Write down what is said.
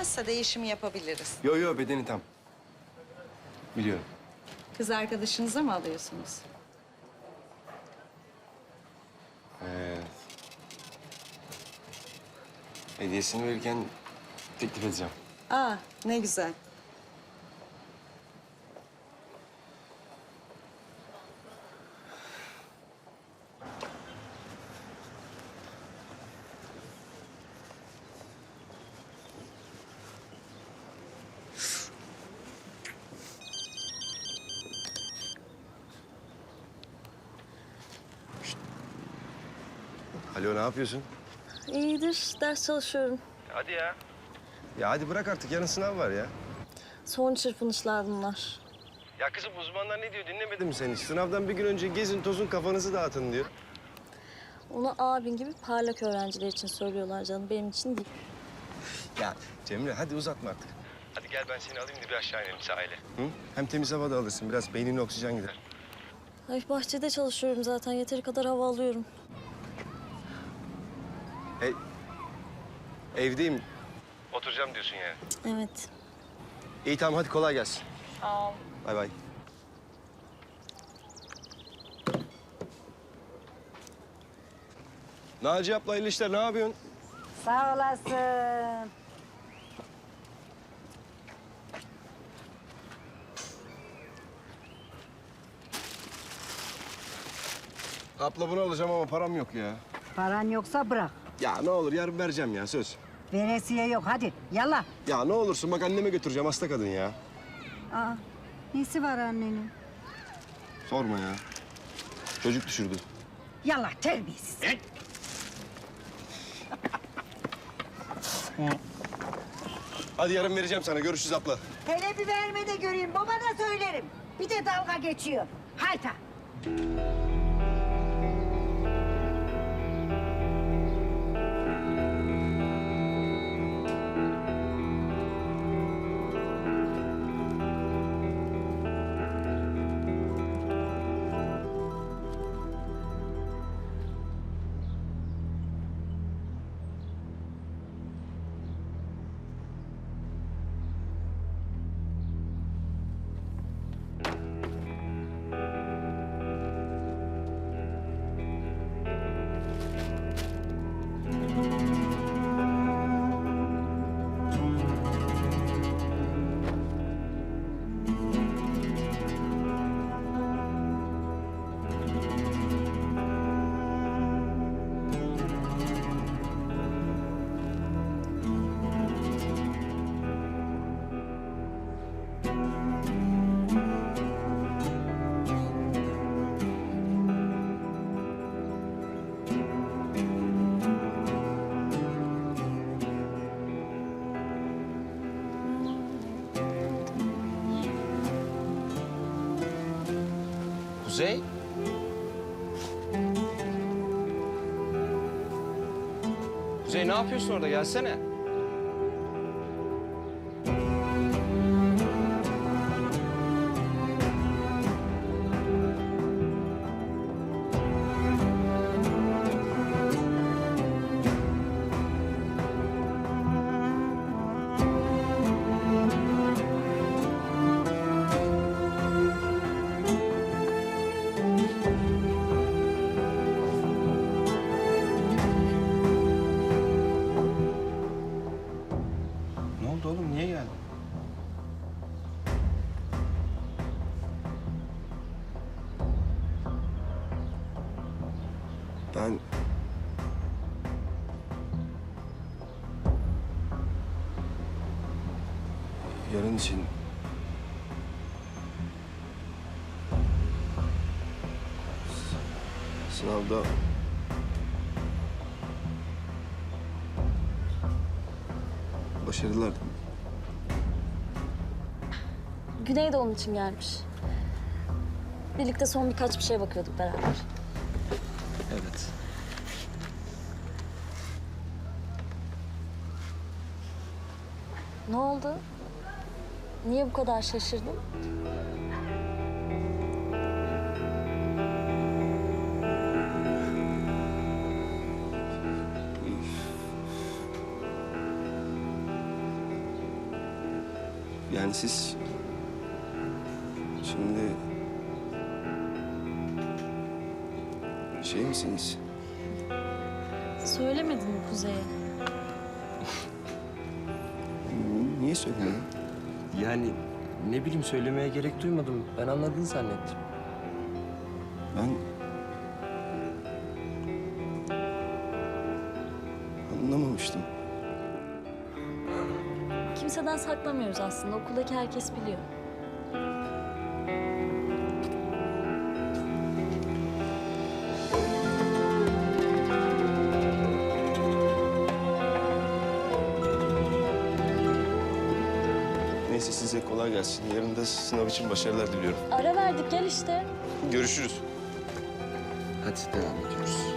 olmazsa değişim yapabiliriz. Yo yo, bedeni tam. Biliyorum. Kız arkadaşınıza mı alıyorsunuz? Evet. Hediyesini verirken teklif edeceğim. Aa, ne güzel. Alo, ne yapıyorsun? İyidir, ders çalışıyorum. Hadi ya. Ya hadi bırak artık, yarın sınav var ya. Son çırpınışlar bunlar. Ya kızım, uzmanlar ne diyor, dinlemedin mi sen hiç? Sınavdan bir gün önce gezin, tozun, kafanızı dağıtın diyor. Onu abin gibi parlak öğrenciler için söylüyorlar canım, benim için değil. Ya Cemre, hadi uzatma artık. Hadi gel, ben seni alayım da bir aşağı inelim sahile. Hı? Hem temiz hava da alırsın, biraz beynine oksijen gider. Ay bahçede çalışıyorum zaten, yeteri kadar hava alıyorum. Evdeyim. Oturacağım diyorsun yani. Evet. İyi tamam, hadi kolay gelsin. Sağ ol. Bay bay. Naci abla, hayırlı işler, ne yapıyorsun? Sağ olasın. Abla bunu alacağım ama param yok ya. Paran yoksa bırak. Ya ne olur, yarın vereceğim ya, söz. Veresiye yok, hadi yallah. Ya ne olursun, bak anneme götüreceğim, hasta kadın ya. Aa, nesi var annenin? Sorma ya. Çocuk düşürdü. Yallah terbiyesiz. Hadi yarın vereceğim sana, görüşürüz abla. Hele bir verme de göreyim, babana söylerim. Bir de dalga geçiyor. Hayta. Kuzey? Kuzey ne yapıyorsun orada? Gelsene. Ne oldu oğlum? Niye geldin? Ben... Yarın için... Sınavda... Başarılar. Güney de onun için gelmiş. Birlikte son birkaç bir şeye bakıyorduk beraber. Evet. Ne oldu? Niye bu kadar şaşırdın? Yani siz... Şimdi... Şey misiniz? Söylemedin mi Kuzey'e? Niye söylemiyorsun? Yani ne bileyim söylemeye gerek duymadım. Ben anladığını zannettim. Ben... Anlamamıştım. Kimseden saklamıyoruz aslında. Okuldaki herkes biliyor. Neyse size kolay gelsin. Yarın da sınav için başarılar diliyorum. Ara verdik, gel işte. Görüşürüz. Hadi devam ediyoruz.